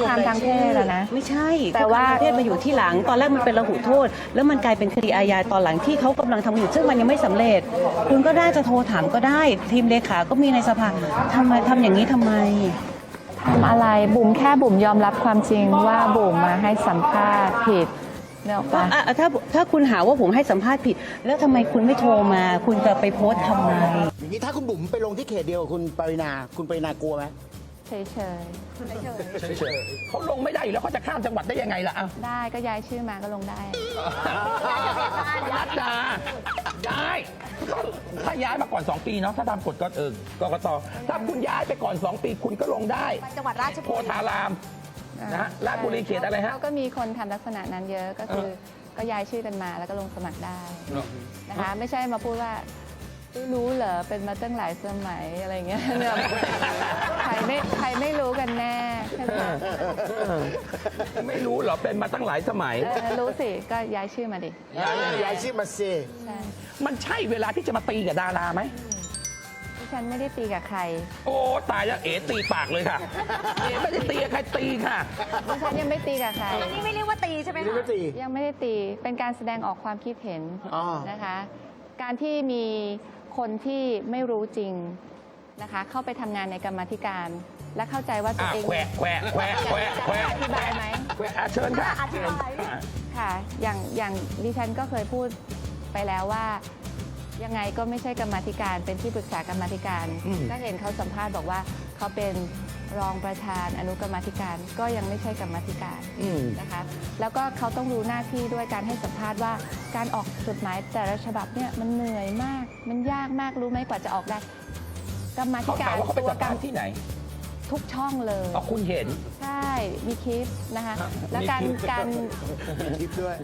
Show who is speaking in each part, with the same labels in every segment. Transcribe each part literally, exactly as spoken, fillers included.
Speaker 1: คามทางเพศแล้วนะ
Speaker 2: ไม่ใช่
Speaker 1: แต่ว่า
Speaker 2: คุกคามทางเพศมาอยู่ที่หลังตอนแรกมันเป็นระหุโทษ แล้วมันกลายเป็นคดีอาญาตอนหลังที่เขากำลังทำอยู่ซึ่งมันยังไม่สำเร็จ คุณก็ได้จะโทรถามก็ได้ ทีมเลขาก็มีในสภาทำไมทำอย่างนี้ทำไม
Speaker 1: ทำอะไรบุ๋มแค่บุ๋มยอมรับความจริงว่าบุ๋มมาให้สัมภาษณ์ผิดเนี่ยปะ
Speaker 2: ถ้าถ้าคุณหาว่าผมให้สัมภาษณ์ผิด แล้วทำไมคุณไม่โทรมา คุณจะไปโพสต์ทำไม
Speaker 3: อย่างนี้ถ้าคุณบุ๋มไปลงที่เขตเดียวกับคุณปรินาคุณปรินากลัวไหม
Speaker 1: เฉยเฉย
Speaker 4: เฉยเขาลงไม่ได้อยู่แล้วเขาจะข้ามจังหวัดได้ยังไงล่ะ
Speaker 1: ได้ก็ย้ายชื่อมาก็ลงได้
Speaker 4: รัตดาย้ายถ้าย้ายมาก่อนสองปีเนาะถ้าตามกฎก็เออกกตถ้าคุณย้ายไปก่อนสองปีคุณก็ลงได้
Speaker 5: จังหวัดราชบุรี
Speaker 4: โพธารามนะฮะราชบุรีเขตอะไรฮะ
Speaker 1: ก็มีคนทำลักษณะนั้นเยอะก็คือก็ย้ายชื่อกันมาแล้วก็ลงสมัครได้นะคะไม่ใช่มาพูดว่ารู้เหรอเป็นมาตั้งหลายสมัยอะไรเงี้ยเนี่ยใครไม่ใครไม่รู้กันแน่ใช่ไหม
Speaker 4: ไม่รู้เหรอเป็นมาตั้งหลายสมัย
Speaker 1: รู้สิก็ย้ายชื่อมาดิ
Speaker 3: ย้ายชื่อมาสิ
Speaker 4: มันใช่เวลาที่จะมาตีกับดาราไหม
Speaker 1: ดิฉันไม่ได้ตีกับใคร
Speaker 4: โอ้ตายแล้วเอ๋ตีปากเลยค่ะเอ๋ไม่ได้ตีกับใครตีค่ะ
Speaker 1: ดิฉันยังไม่ตีกับใคร
Speaker 5: นี่ไม่เรียกว่าตีใช่ไหมคะ
Speaker 1: ยังไม่ได้ตีเป็นการแสดงออกความคิดเห็นนะคะการที่มีคนที่ไม่รู้จริงนะคะเข้าไปทำงานในกรรมาธิการและเข้าใจว่าตัวเอง
Speaker 4: แควะแควะแควะแควะแควะ
Speaker 1: อธิบายไหม
Speaker 4: แควะเชิญค่ะ
Speaker 5: อธิบาย
Speaker 1: ค่ะอย่างอย่างดิฉันก็เคยพูดไปแล้วว่ายังไงก็ไม่ใช่กรรมาธิการเป็นที่ปรึกษากรรมาธิการก็เห็นเขาสัมภาษณ์บอกว่าเขาเป็นรองประธานอนุกรรมาธิการก็ยังไม่ใช่กรรมาธิการนะคะแล้วก็เขาต้องรู้หน้าที่ด้วยการให้สัมภาษณ์ว่าการออกจดหมายแต่ละฉบับเนี่ยมันเหนื่อยมากมันยากมากรู้ไหมกว่าจะออกได้กรรมาธิการ
Speaker 4: เขาไปสัมภาษณ์ที่ไหน
Speaker 1: ทุกช่องเลย
Speaker 4: อ๋อคุณเห็น
Speaker 1: ใช่มีคลิปนะคะแล้วการการ
Speaker 3: คลิปด้วย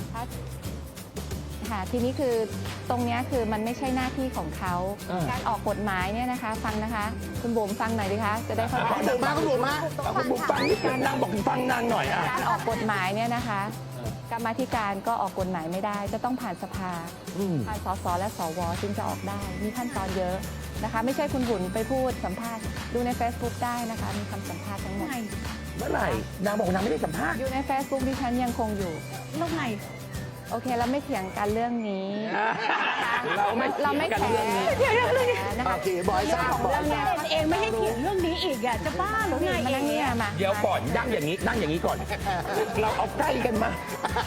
Speaker 1: ค่ะทีนี้คือตรงนี้คือมันไม่ใช่หน้าที่ของเขาการออกกฎหมายเนี่ยนะคะฟังนะคะคุณบุ๋มฟังหน่อยดิคะจะได้เข้าใจ
Speaker 3: คุณบุ๋มมาคุณบุ๋มมา
Speaker 4: คุณบุ๋มฟังนิดนึงนางบอกฟังนางหน่อยอ่ะ
Speaker 1: การออกกฎหมายเนี่ยนะคะกรรมาธิการก็ออกกฎหมายไม่ได้จะต้องผ่านสภาผ่านสสและสวจึงจะออกได้มีขั้นตอนเยอะนะคะไม่ใช่คุณบุ๋มไปพูดสัมภาษณ์ดูใน Facebook ได้นะคะมีคำสัมภาษณ์ทั้งหมด
Speaker 4: เมื่อไหร่นางบอกนางไม่ได้สัมภาษณ์
Speaker 1: อยู่ใน Facebook ดิฉันยังคงอยู่
Speaker 2: แล้วไง
Speaker 1: โอเคเราไม่เถียงกันเรื่องนี้
Speaker 4: เราไม่เราไม่
Speaker 1: แข่งเรื่องนี้
Speaker 3: นะคะบอยซ่า
Speaker 1: ของเรื่องนี้
Speaker 2: เองไม่ให้เถียงเรื่องนี้อีกอ่ะจะบ้าหรือไง
Speaker 1: มานั่งนี่มา
Speaker 4: เดี๋ยวก่อนนั่งอย่างนี้นั่งอย่างนี้ก่อนเราเอาใกล้กันมา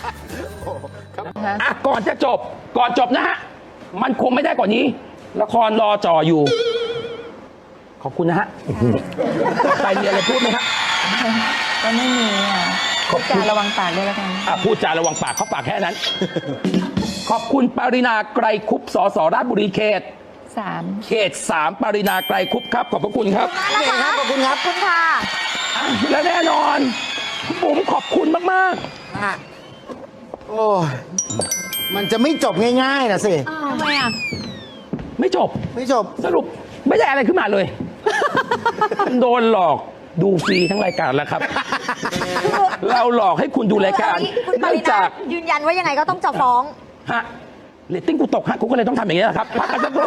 Speaker 4: อ่ะก่อนจะจบก่อนจบนะฮะมันคงไม่ได้กว่านี้ละครรอจ่ออยู่ขอบคุณนะฮะไปมีอะไรพูดไหมครับ
Speaker 1: ก็ไม่มีอ่ะพูดจาระวังปากด้วยแล้วกัน
Speaker 4: อ่ะพูดจาระวังปากเขาปากแค่นั้นขอบคุณปรินาไกรคุปสสราชบุรีเขต
Speaker 1: สาม
Speaker 4: เขตสามปรินาไกรคุปครับขอบพระคุณครับ
Speaker 3: ขอบคุณครับขอบคุณครับ
Speaker 5: คุณค่ะ
Speaker 4: และแน่นอนผมขอบคุณมาก
Speaker 3: ๆโอ้ยมันจะไม่จบง่ายๆนะสิ
Speaker 5: ทำไมอ่ะ
Speaker 4: ไม่จบ
Speaker 3: ไม่จบ
Speaker 4: สรุปไม่ได้อะไรขึ้นมาเลยโดนหลอกดูฟรีทั้งรายการแล้วครับเราหลอกให้คุณดูรายการ
Speaker 5: เนื่องจากยืนยันว่ายังไงก็ต้องจะฟ้อง
Speaker 4: ฮะเรตติ้งกูตกฮะกูก็เลยต้องทำอย่างนี้นะครับพักกันสักครู่